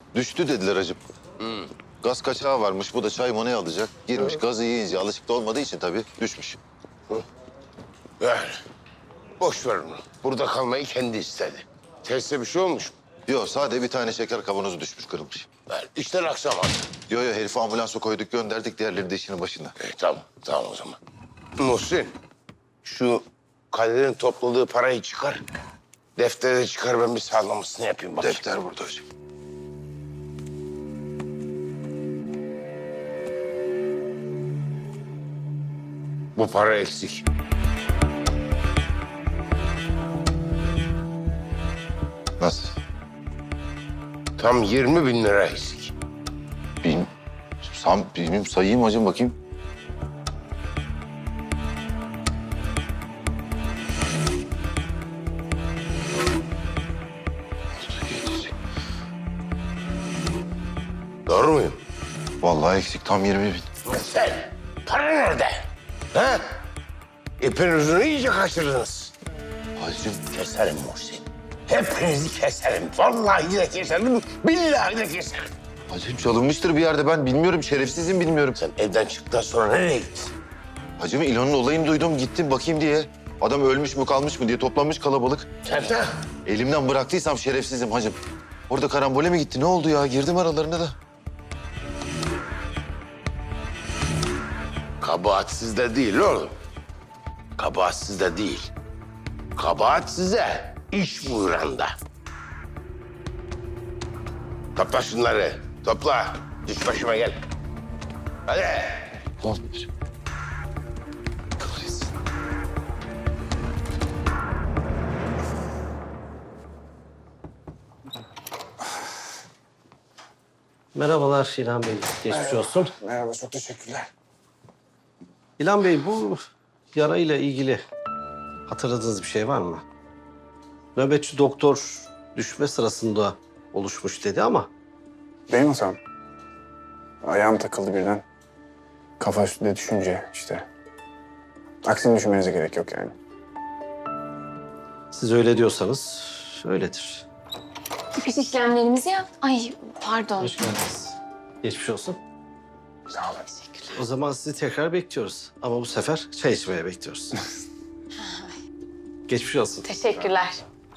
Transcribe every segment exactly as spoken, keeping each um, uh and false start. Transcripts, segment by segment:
Düştü dediler hacım. Hmm. Gaz kaçağı varmış. Bu da çay monayı alacak. Girmiş gazı yiyince alışık da olmadığı için tabii düşmüş. Yani boş ver onu. Burada kalmayı kendi istedi. Teste bir şey olmuş mu? Yok sade bir tane şeker kavanozu düşmüş kırılmış. Yani işler aksamadı. Yo yo herifi ambulansa koyduk gönderdik. Diğerleri de işinin başında. E, tamam, tamam o zaman. Muhsin, şu Kadir'in topladığı parayı çıkar. Defterde çıkar, ben bir sağlamasını yapayım bakayım. Defter burada hocam. Bu para eksik. Nasıl? Tam yirmi bin lira eksik. Bilmiyorum. Sam, bilmiyorum sayayım hocam bakayım. Doğru muyum? Vallahi eksik tam yirmi bin. Sen, para nerede? Ha? İpin ucunu iyice kaçırdınız. Hacım Keserim Muhsin. Hepinizi keserim. Vallahi de keserim, billahi de keserim. Hacım çalınmıştır bir yerde ben bilmiyorum. Şerefsizim bilmiyorum. Sen evden çıktıktan sonra nereye gittin? Hacım İlhan'ın olayını duydum gittim bakayım diye. Adam ölmüş mü kalmış mı diye toplanmış kalabalık. Sen de Elimden bıraktıysam şerefsizim hacım. Orada karambole mi gitti ne oldu ya? Girdim aralarına da. kabahat sizde değil oğlum. Kabahat sizde değil. Kabahat size iş buyranda. Topla şunları. Topla. Düş başıma gel. Hadi. Kahretsin. Merhabalar İlhan Bey. Geçmiş olsun. Merhaba, çok teşekkürler. İlhan Bey bu yarayla ilgili hatırladığınız bir şey var mı? Nöbetçi doktor düşme sırasında oluşmuş dedi ama Benim hatam. Ayağım takıldı birden. Kafa üstüne düşünce işte. Aksini düşünmenize gerek yok yani. siz öyle diyorsanız öyledir. Çıkış işlemlerimizi yap. Ay pardon. Hoş geldiniz. Geçmiş olsun. Sağ olun. O zaman sizi tekrar bekliyoruz. Ama bu sefer çay içmeye bekliyoruz. Geçmiş olsun. Teşekkürler.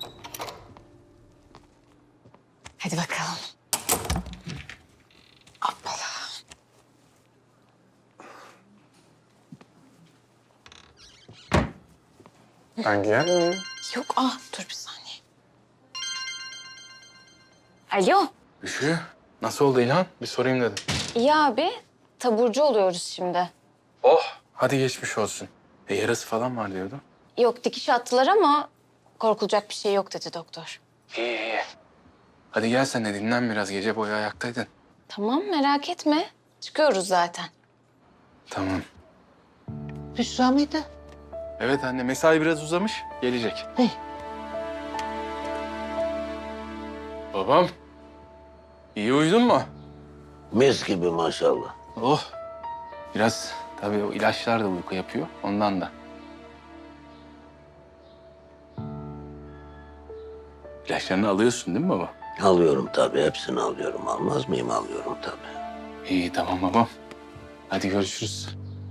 Hadi bakalım. Hoppala. Ben giyer miyim? Yok ah dur bir saniye. Alo. Üşü. Nasıl oldu İlhan? Bir sorayım dedim. İyi abi. Taburcu oluyoruz şimdi. Oh. Hadi geçmiş olsun. E yarası falan var diyordu. Yok dikiş attılar ama korkulacak bir şey yok dedi doktor. İyi iyi. Hadi gel sen de dinlen biraz. Gece boyu ayaktaydın. Tamam merak etme. Çıkıyoruz zaten. Tamam. Büşra mıydı? Evet anne mesai biraz uzamış. Gelecek. Hey. Babam. İyi uyudun mu? Mis gibi maşallah. Oh. Biraz tabii o ilaçlar da uyku yapıyor. Ondan da. İlaçlarını alıyorsun değil mi baba? Alıyorum tabii, hepsini alıyorum. Almaz mıyım? Alıyorum tabii. İyi tamam babam. Hadi görüşürüz.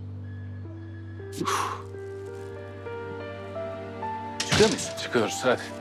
Çıkıyor muyuz? Çıkıyoruz hadi.